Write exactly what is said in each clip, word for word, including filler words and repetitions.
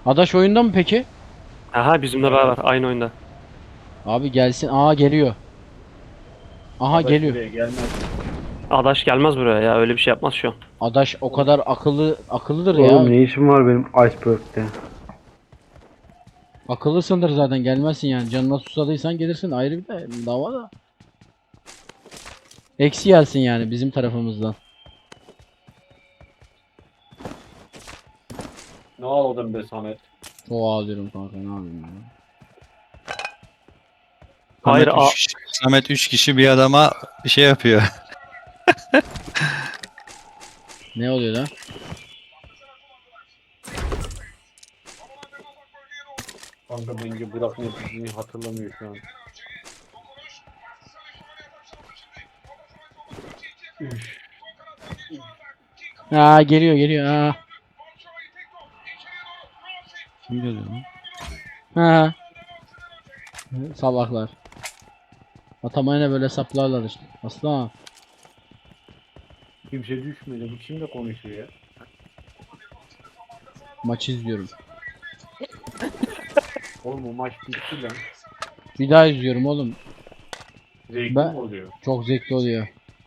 Adaş oyunda mı peki? Aha bizimle beraber aynı oyunda. Abi gelsin. Aa geliyor. Aha Adaş geliyor. buraya gelmez. Adaş gelmez buraya ya, öyle bir şey yapmaz şu an. Adaş o kadar akıllı akıllıdır ya. Oğlum ne işim var benim Iceberg'te? Akıllısındır zaten, gelmezsin yani. Canına susadıysan gelirsin, ayrı bir de dava da. Eksi gelsin yani bizim tarafımızdan. Ne ağladın be Samet? Çok ağlıyorum kanka, ne yapayım ya. Hayır, Samet a- üç kişi, Samet üç kişi bir adama bir şey yapıyor. Ne oluyor lan? Kanka bence Burak ne dediğini hatırlamıyor şu an. Üf. Aa geliyor geliyor aa. Kim geliyor lan? Ha. Salaklar. Atamayına böyle saplarlar işte. Aslan. Kimse düşmedi. Bu kimle konuşuyor ya? Maç izliyorum. Oğlum o maç bitti lan. Bir daha izliyorum oğlum. Zevkli Ben- mi oluyor? Çok zevkli oluyor.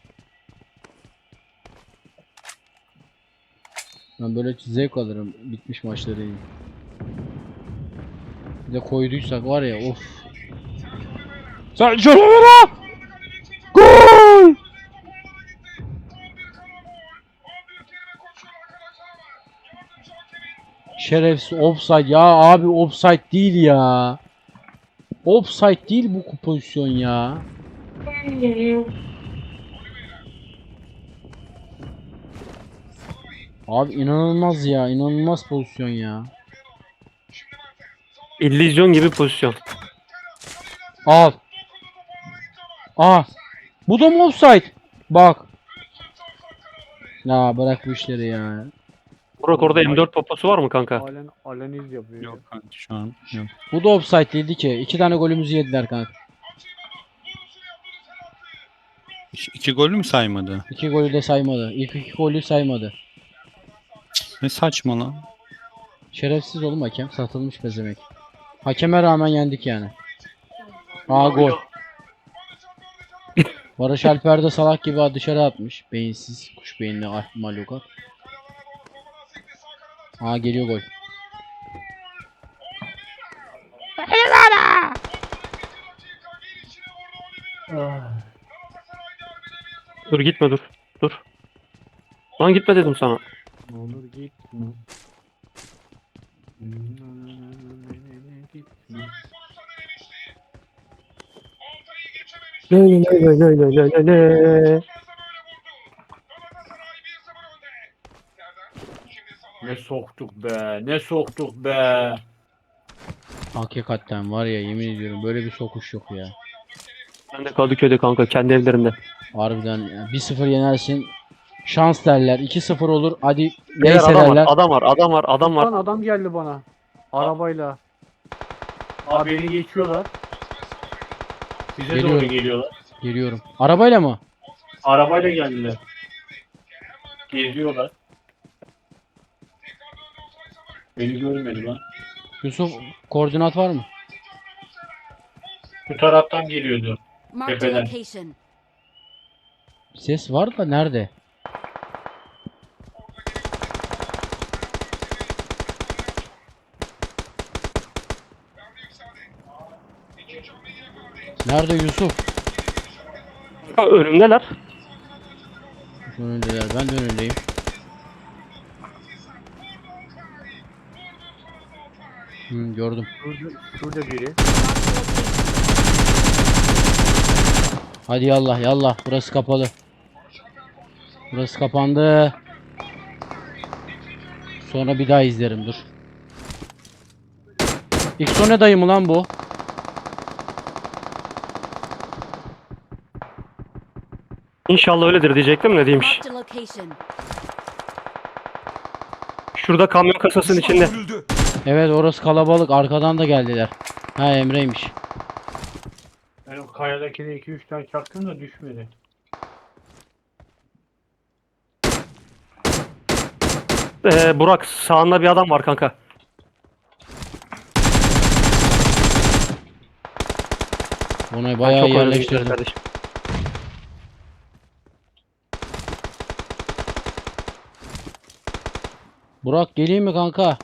Ben böyle zevk alırım bitmiş maçları iyi. Bir de koyduysak var ya, of. Sen şöyle ver. Gol! Şerefsiz offside ya abi, offside değil ya. Offside değil bu pozisyon ya. Abi inanılmaz ya, inanılmaz pozisyon ya. illüzyon gibi pozisyon. Al. Aa. Bu da mı offside? Bak. Ya bırak bu işleri ya. Burak orada M dört poposu var mı kanka? Halen aleniz yapıyor. Yok kanka şu an yok. Bu da offside değildi ki. İki tane golümüzü yediler kanka. İki, iki golü mü saymadı? İki golü de saymadı. İlk iki golü saymadı. Ne saçma lan. Şerefsiz oğlum hakem. Satılmış pezemek. Hakeme rağmen yendik yani. Aa gol. Barış Alper de salak gibi dışarı atmış. Beyinsiz, kuş beyinli ah, malukat. Aa geliyor gol. Ah. Dur gitme, dur. Dur. Lan gitme dedim sana. Ne olur gitme. Gitme. Ne ne ne ne ne ne ne ne. Ne soktuk be, ne soktuk be. Hakikaten var ya, yemin ediyorum böyle bir sokuş yok ya. Ben de Kadıköy'de kanka, kendi evlerinde. Harbiden ya. bir sıfır yenersin. Şans derler. iki sıfır olur. Hadi Beyler, neyse adam var, derler. adam var, adam var, adam Lan var. adam geldi bana. Arabayla. Abi beni geçiyorlar. Size doğru Geliyorum. geliyorlar. Geliyorum. Arabayla mı? Arabayla geldiler. Geziyorlar. Beni görmedi lan. Yusuf, koordinat var mı? Bu taraftan geliyordu. Marked a Tepeden. location. Ses var da nerede? Nerede Yusuf? Ha, önümdeler. Şu önündeler. Ben de önündeyim. Hı, gördüm. Şurada, şurada biri. Hadi yallah yallah. Burası kapalı. Burası kapandı. Sonra bir daha izlerim, dur. İksone dayı mı lan bu? İnşallah öyledir diyecektim, ne diyeymiş. Marked a location. Şurada kamyon kasasının içinde. Evet orası kalabalık. Arkadan da geldiler. Ha Emre'ymiş. Ben o kayadakine iki üç tane çaktım da düşmedi. Ee, Burak sağında bir adam var kanka. Onu Ben bayağı çok oynadım yerleştirdim. kardeşim. Burak geleyim mi kanka?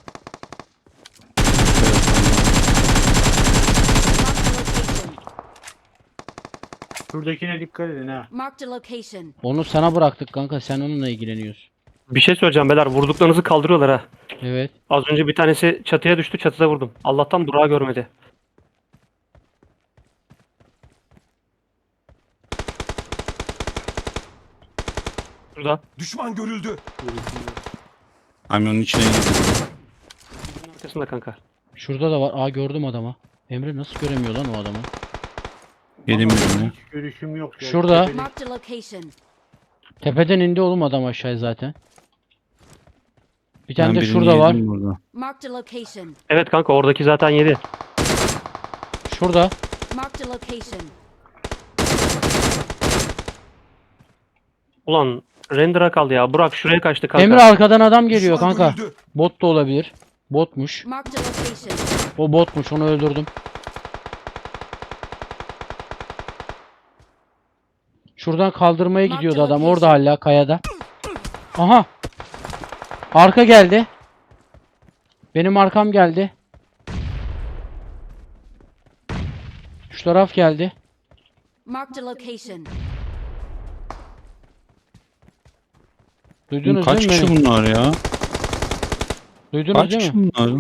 Şuradakine dikkat edin ha. Marked a location. Onu sana bıraktık kanka. Sen onunla ilgileniyorsun. Bir şey söyleyeceğim beyler. Vurduklarınızı kaldırıyorlar ha. Evet. Az önce bir tanesi çatıya düştü. Çatıda vurdum. Allah'tan Burak'ı görmedi. Şurada. Düşman görüldü. Kamyonun içine girdim. Bunun arkasında kanka. Şurada da var. Aa gördüm adamı. Emre nasıl göremiyor lan o adamı? Yedim birini. Hiç görüşüm yok. ya. Şurada. Tepede- Marked a location. Tepeden indi oğlum adam aşağıya zaten. Bir tane Ben de birini şurada var. yedim burada. Marked a location. Evet kanka oradaki zaten yedi. Şurada. Marked a location. Ulan render'a kaldı ya. Burak şuraya kaçtı kanka. Emre arkadan adam geliyor Düşman kanka. görüldü. Bot da olabilir. Botmuş. Marked a location. O botmuş. Onu öldürdüm. Şuradan kaldırmaya Marked gidiyordu adam. location. Orada hala kayada. Aha. Arka geldi. Benim arkam geldi. Şu taraf geldi. Marked a location. Duydunuz Kaç değil mi kişi beni? bunlar ya? Duydunuz Kaç değil kişi mi? bunlar?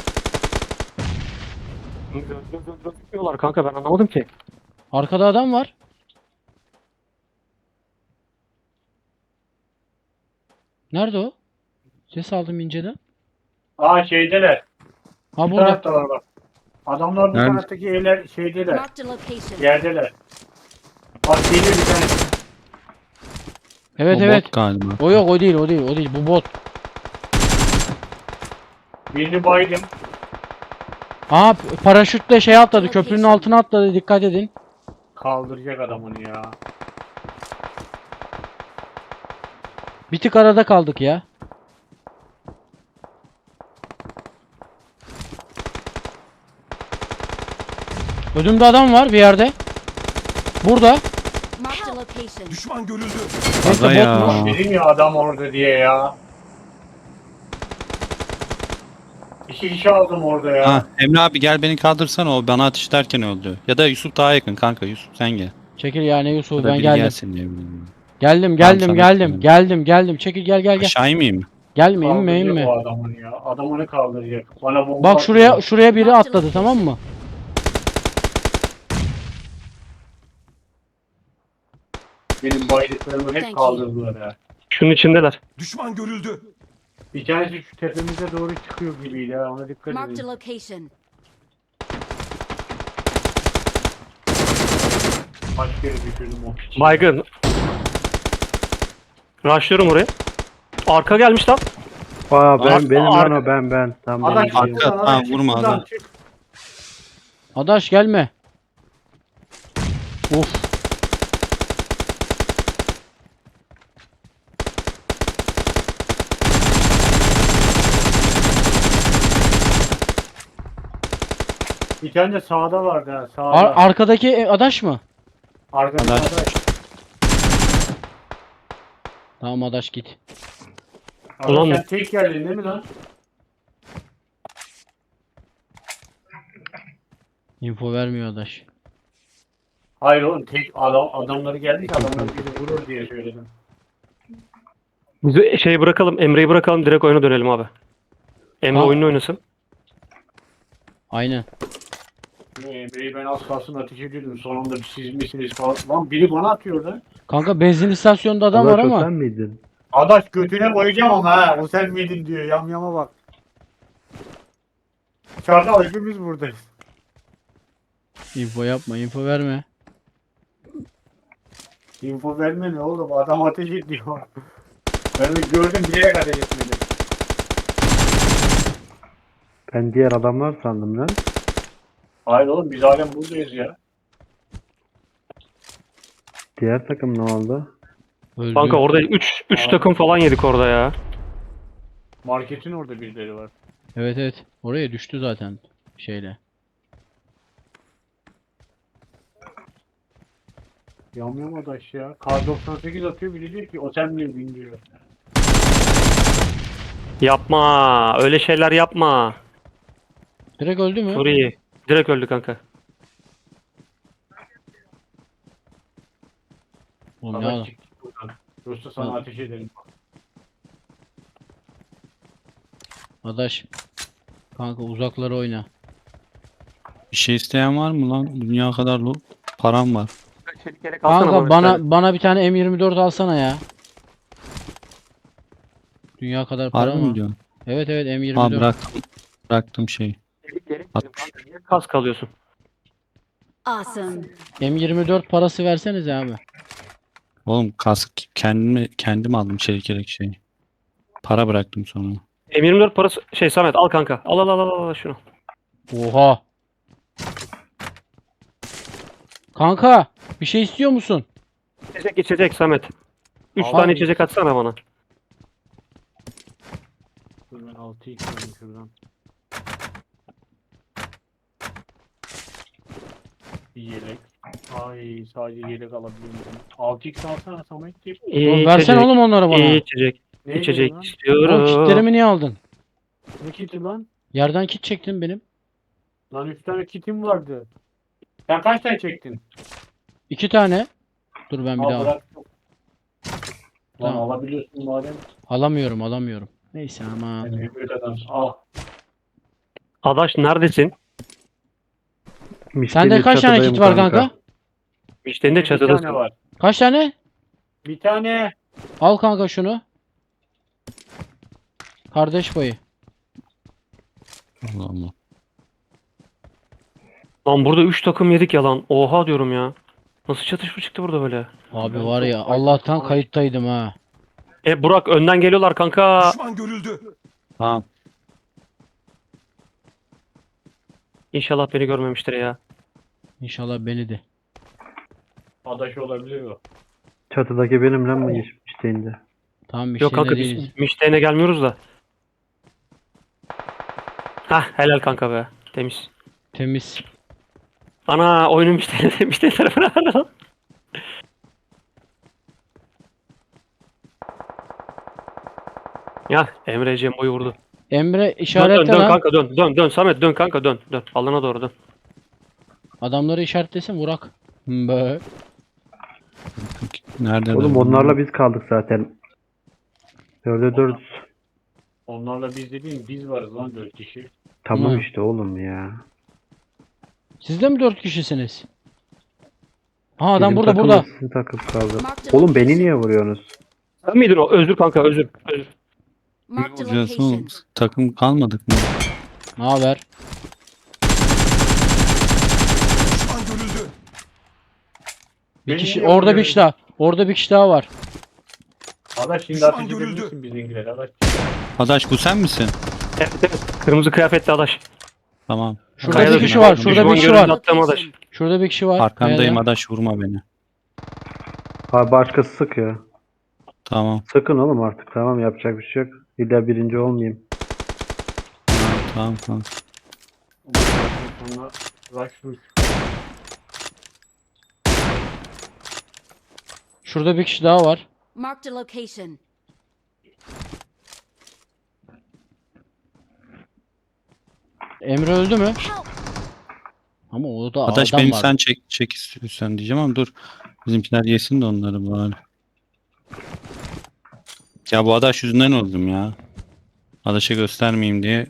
Gitmiyorlar kanka ben anlamadım ki. Arkada adam var. Nerede o? Ses aldım inceden. Aa şeydeler. Ha Bu burada. taraftalar bak. Adamlar bu Nerede? taraftaki evler şeydeler. Marked a location. Yerdeler. Bak geliyor bir tane. Evet O evet. bot galiba. O yok o değil o değil o değil. Bu bot. Birini baydım. Aa p- paraşütle şey atladı. Köprünün altına atladı. Dikkat edin. Kaldıracak adam onu ya. Bir tık arada kaldık ya. Ödümde adam var bir yerde. Burada. Marked a location. Düşman görüldü. Neyse Aga ya. botmuş. Dedim ya adam orada diye ya. İki kişi aldım orada ya. Ha, Emre abi gel beni kaldırsana, o bana ateş ederken öldü. Ya da Yusuf daha yakın kanka, Yusuf sen gel. Çekil yani Ya Yusuf da ben biri geldim. gelsin diye bilmiyorum. Geldim Tamam, geldim sana geldim söyleyeyim. geldim geldim. Çekil gel gel gel. Aşağı inmeyeyim mi? Gelme inme Kaldıracak inme. o adamın ya. Adam onu kaldıracak. Bana bomba Bak şuraya atıyor. şuraya biri atladı tamam mı? Benim baydıklarımı Thank hep you. kaldırdılar ya. Şunun içindeler. Düşman görüldü. Bir tanesi şu tepemize doğru çıkıyor gibiydi ha. Ona dikkat Marked a edin. location. Kaç kere düşürdüm o piçi. Baygın. Rushlıyorum oraya. Arka gelmiş lan. Aa ben Ar- benim lan ar- o ben ben. Tamam Adam benim çık değil. Arka- buradan, ha, adam çık vurma buradan, adam. çık. Adaş gelme. Of. Bir tane de sağda vardı ha. Sağda. Ar- arkadaki e, Adaş mı? Arkada Adaş. sağda. Tamam Adaş git. Adam Ulan- sen tek geldin değil mi lan? Info vermiyor Adaş. Hayır oğlum tek adam, adamları geldik adamlar bizi vurur diye söyledim. Biz şey bırakalım. Emre'yi bırakalım. Direkt oyuna dönelim abi. Emre Ha. oyunu oynasın. Aynen. Ee, Bey ben az kalsın ateş ediyordum. Sonunda siz misiniz falan. Lan biri bana atıyor lan. Kanka benzin istasyonunda adam Allah var çok ama. sen miydin? Adaş götüne koyacağım ama ha. O sen miydin diyor. Yamyama bak. Çardal hepimiz buradayız. Info yapma info verme. Info verme ne oğlum. Adam ateş ediyor. Ben de gördüm bilerek ateş etmedim. Ben diğer adamlar sandım lan. Hayır oğlum biz halen buradayız ya. Diğer takım ne oldu? Öldü. Kanka orada üç üç takım falan yedik orada ya. Marketin orada birileri var. Evet evet. Oraya düştü zaten şeyle. Yanmıyor mu adaş ya? Kar doksan sekiz atıyor, biri diyor ki o sen mi diyor. Yapma. Öyle şeyler yapma. Direkt öldü mü? Suriye. Direkt öldü kanka. Oğlum ne adam? Adaş çık buradan. Yoksa sana Ha. ateş ederim. Adaş. Kanka uzaklara oyna. Bir şey isteyen var mı lan? Dünya kadar lo- param var. Çelik yelek alsana Kanka bir bana tane. bana bir tane M yirmi dört alsana ya. Dünya kadar para Harbi mi mı? diyorsun? Evet evet M yirmi Ha dört. bıraktım. Bıraktım şeyi. Çelik yelek At- dedim kanka, niye kask alıyorsun? Awesome. M yirmi dört parası versenize abi. Oğlum kask kendimi kendim aldım çelik yelek şeyi. Para bıraktım sonra. M yirmi dört parası şey Samet al kanka. Al al al al al şunu. Oha. Kanka bir şey istiyor musun? İçecek içecek Samet. üç Al tane abi. içecek atsana bana. Dur ben altı x alayım şuradan. Bir yelek. Ay sadece yelek alabiliyorum. altı x alsana Sametciğim. İyi Oğlum versene içecek. oğlum onları bana. İyi içecek. Ne İçecek lan? istiyorum. Oğlum kitlerimi niye aldın? Ne kiti lan? Yerden kit çektin benim. Lan üç tane kitim vardı. Sen kaç tane çektin? İki tane. Dur ben bir Al daha bırak. Lan Tamam. alabiliyorsun madem. alamıyorum alamıyorum. Neyse ama. Sen büyük adamsın. Al. Adaş neredesin? Sende kaç tane çatıdayım kit var kanka? İşte de Bir çatıdasın. tane var. Kaç tane? Bir tane. Al kanka şunu. Kardeş payı. Allah Allah. Lan burada üç takım yedik yalan. Oha diyorum ya. Nasıl çatışma çıktı burada böyle? Abi var ya Allah'tan kayıttaydım ha. E Burak önden geliyorlar kanka. Düşman görüldü. Tamam. İnşallah beni görmemiştir ya. İnşallah beni de. Adaş olabilir o. Çatıdaki benim lan mı geçmişteyinde? Tamam bir Yok şey kanka değiliz. biz Mişte'ne gelmiyoruz da. Hah helal kanka be. Temiz. Temiz. Ana oyunun Mişte'ne Mişte tarafına aldım. Ya Emre Cembo'yu vurdu. Emre Dön dön işaretle dön lan. kanka dön dön dön Samet dön kanka dön dön. Alana doğru dön. Adamları işaretlesin vurak. Bö. Nerede? Oğlum onlarla biz kaldık zaten. Dörde dört. Onlarla biz dediğin biz varız lan dört kişi. Tamam Hı. işte oğlum ya. Siz de mi dört kişisiniz? Ha adam Bizim burada takım burada. Sizin takım kaldı. Marked a Oğlum beni location. niye vuruyorsunuz? Sen miydin o? Özür kanka özür. Özür. Marked a Vuracaksın oğlum. location. Takım kalmadık mı? Ne haber? Düşman görüldü. Bir Beni kişi niye orada bir vuruyorsun? kişi daha. Orada bir kişi daha var. Adaş şimdi Düşman ateş görüldü. edebilirsin bizimkiler. Adaş. Adaş bu sen misin? Evet evet. Kırmızı kıyafetli adaş. Tamam. Şurada Kayada bir kişi düşman- var. Şurada düşman bir kişi görüldü var. attığım adaş. Şurada bir kişi var. Arkandayım Kayada. Adaş vurma beni. Abi başkası sıkıyor. Tamam. Sıkın oğlum artık, tamam, yapacak bir şey yok. İlla birinci olmayayım. Tamam tamam. Sonra rush Şurada bir kişi daha var. Marked a location. Emre öldü mü? Help! Ama o da Adaş adam benim var. sen çek çek istiyorsan diyeceğim ama dur. Bizimkiler yesin de onları bari. Ya bu Adaş yüzünden öldüm ya. Adaş'a göstermeyeyim diye.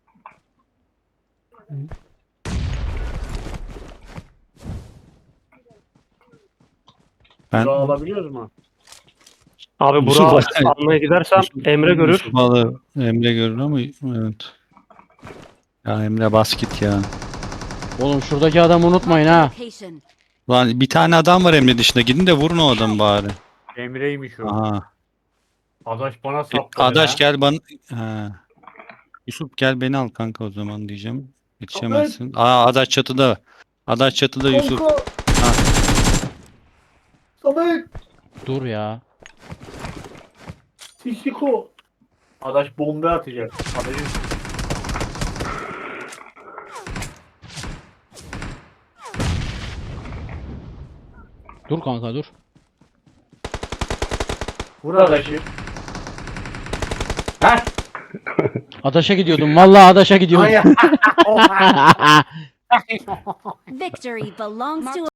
Ben Burak'ı alabiliyoruz mu? Abi Yusuf Burak'ı var. almaya gidersem Yusuf- Emre görür. Yusuf Balı Emre görür ama evet. Ya Emre bas git ya. Oğlum şuradaki adamı unutmayın ha. Location. Lan bir tane adam var Emre dışında. Gidin de vurun o adamı bari. Emre'ymiş o. Aha. Adaş bana E, sapladı. Adaş ha. gel bana. Ha. Yusuf gel beni al kanka o zaman diyeceğim. Yetişemezsin. Aa Adaş çatıda. Adaş çatıda Yusuf. Ha. Samet. Dur ya. Sisiko. Adaş bomba atacak. Adaş'ın Dur kanka dur. Burada şey. Heh. Adaş'a gidiyordum. Vallahi Adaş'a gidiyordum. Ay. Victory belongs to